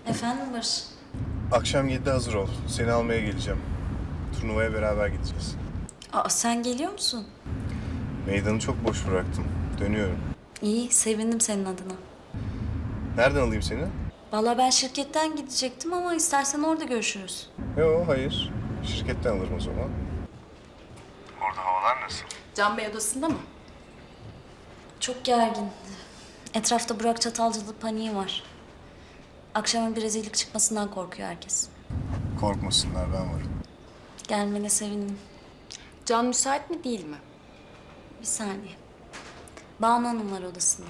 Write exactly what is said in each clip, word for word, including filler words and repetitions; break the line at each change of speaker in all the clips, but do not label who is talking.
Efendim Barış?
Akşam yedide hazır ol. Seni almaya geleceğim. Turnuvaya beraber gideceğiz.
Aa, sen geliyor musun?
Meydanı çok boş bıraktım. Dönüyorum.
İyi, sevindim senin adına.
Nereden alayım seni?
Vallahi ben şirketten gidecektim ama istersen orada görüşürüz.
Yok, hayır. Şirketten alırım o zaman. Orada havalar nasıl?
Can Bey odasında mı?
Çok gergin. Etrafta Burak Çatalcılı paniği var. Akşama bir rezillik çıkmasından korkuyor herkes.
Korkmasınlar, ben varım.
Gelmene sevindim.
Can müsait mi değil mi?
Bir saniye. Banu Hanım var odasında.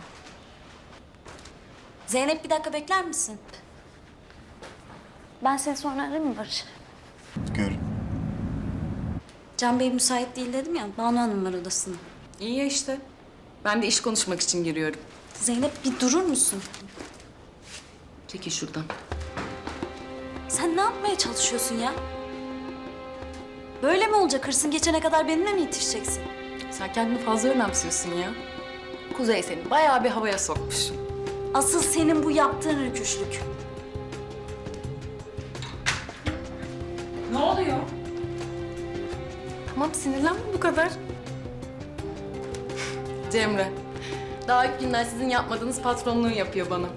Zeynep bir dakika bekler misin? Ben seni sonra ararım mı Barış?
Gör.
Can Bey müsait değil dedim ya. Banu Hanım var odasında.
İyi ya işte. Ben de iş konuşmak için giriyorum.
Zeynep bir durur musun?
Çekil şuradan.
Sen ne yapmaya çalışıyorsun ya? Böyle mi olacak? Hırsın geçene kadar benimle mi yetişeceksin?
Sen kendini fazla önemsiyorsun ya. Kuzey seni bayağı bir havaya sokmuş.
Asıl senin bu yaptığın rüküşlük.
Ne oluyor? Tamam sinirlenme bu kadar. Cemre. Daha ilk günden sizin yapmadığınız patronluğu yapıyor bana.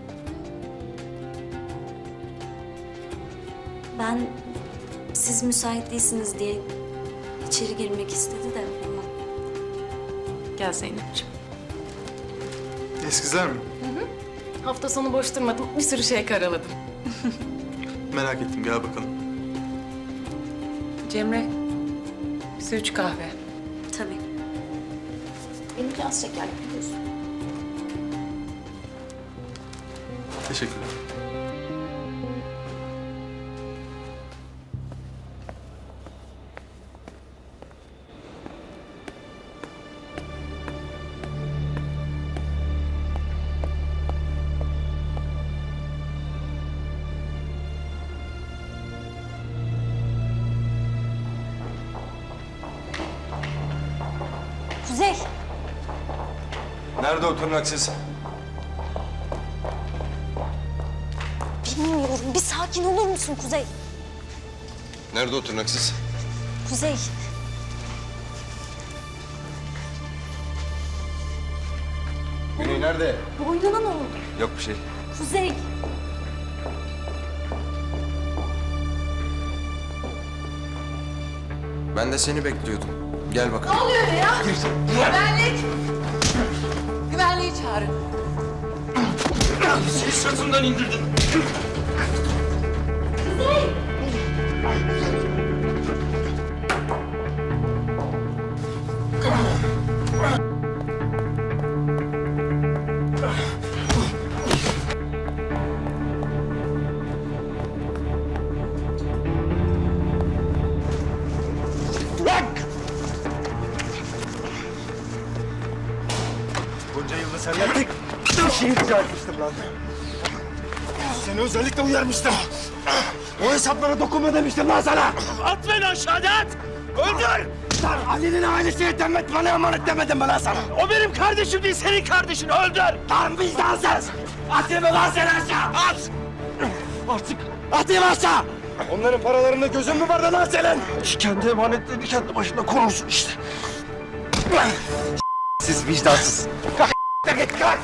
Ben siz müsait değilsiniz diye içeri girmek istedi de ama
Gel Zeynep'ciğim.
Eskizler mi?
Hafta sonu boş durmadım. Bir sürü şey karaladım.
Merak ettim, gel bakalım.
Cemre, bize üç kahve.
tabii.
Benimki az şekerli biliyorsun.
Teşekkürler.
Kuzey,
Nerede o tırnaksız?
bilmiyorum. Bir sakin olur musun Kuzey?
Nerede o tırnaksız?
Kuzey.
Güney nerede?
Boynuna ne oldu?
Yok bir şey.
Kuzey.
Ben de seni bekliyordum. Gel bakalım.
Güvenlik! Güvenliği çağırın.
Seni sırtımdan indirdin.
Bunca yılda senden tek bir şey rica etmiştim lan. Seni özellikle uyarmıştım. O hesaplara dokunma demiştim lan sana. At beni aşağıda at! Öldür! Lan Ali'nin ailesine demet bana emanet demedim mi lan sana? O benim kardeşim değil, senin kardeşin. Öldür! Lan vicdansız! Atayım mı lan seni aşağı? At! Artık atayım aşağı! Onların paralarında gözün mü vardı lan senin? Kendi emanetlerini kendi başına korursun işte. Siz vicdansız. Kalk git kalk.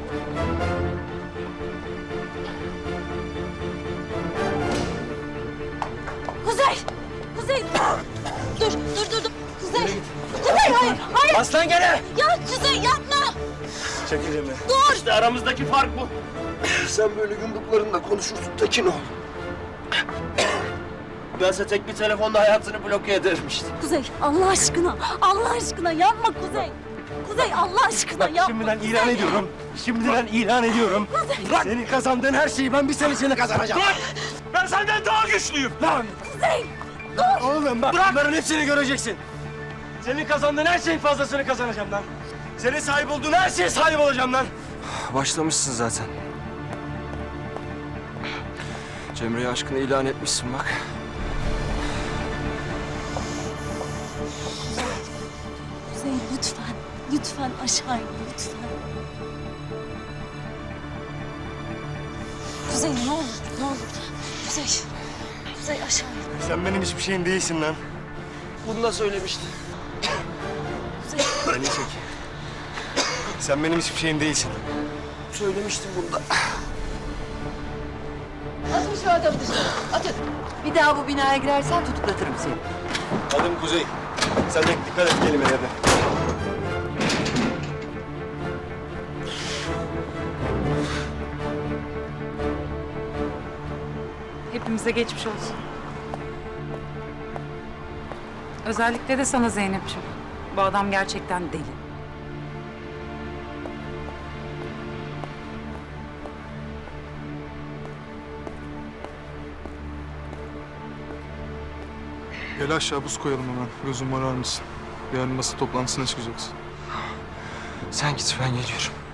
Kuzey! Kuzey! Dur, dur, dur, dur. Kuzey! Kuzey, hayır, hayır!
Aslan gene.
Ya Kuzey yapma!
Çekil Emre.
Dur!
İşte aramızdaki fark bu. Sen böyle yumruklarınla konuşursun Tekin ol. Bense tek bir telefonda hayatını bloke ederim işte.
Kuzey, Allah aşkına, Allah aşkına yapma Kuzey! Kuzey, Allah aşkına
Bak
yapma!
şimdiden
Kuzey.
ilan ediyorum. Şimdiden ilan ediyorum. Bırak. Senin kazandığın her şeyi ben bir senesini kazanacağım. Bırak! Ben senden daha güçlüyüm. Lan!
Kuzey! Dur!
Oğlum bak bunların hepsini göreceksin. Senin kazandığın her şeyin fazlasını kazanacağım lan. Senin sahip olduğun her şeye sahip olacağım lan.
Başlamışsın zaten. Cemre'ye aşkını ilan etmişsin bak.
Kuzey lütfen, lütfen aşağı in, lütfen. Kuzey ne olur, ne olur. Kuzey, Kuzey aşağı in.
Sen benim hiçbir şeyim değilsin lan.
Bunu da söylemişti.
Kuzey,
Beni çek. Sen benim hiçbir şeyim değilsin.
Söylemiştim bunu da.
Atın şu adamı dışarı. Atın. Bir daha bu binaya girersen tutuklatırım seni.
Adım Kuzey. Sen de dikkat et kelimelerine.
Hepimize geçmiş olsun. Özellikle de sana Zeynep'ciğim. Bu adam gerçekten deli.
Gel aşağı buz koyalım hemen. Gözüm arar mısın? Yarın masa toplantısına çıkacaksın.
Sen git ben geliyorum.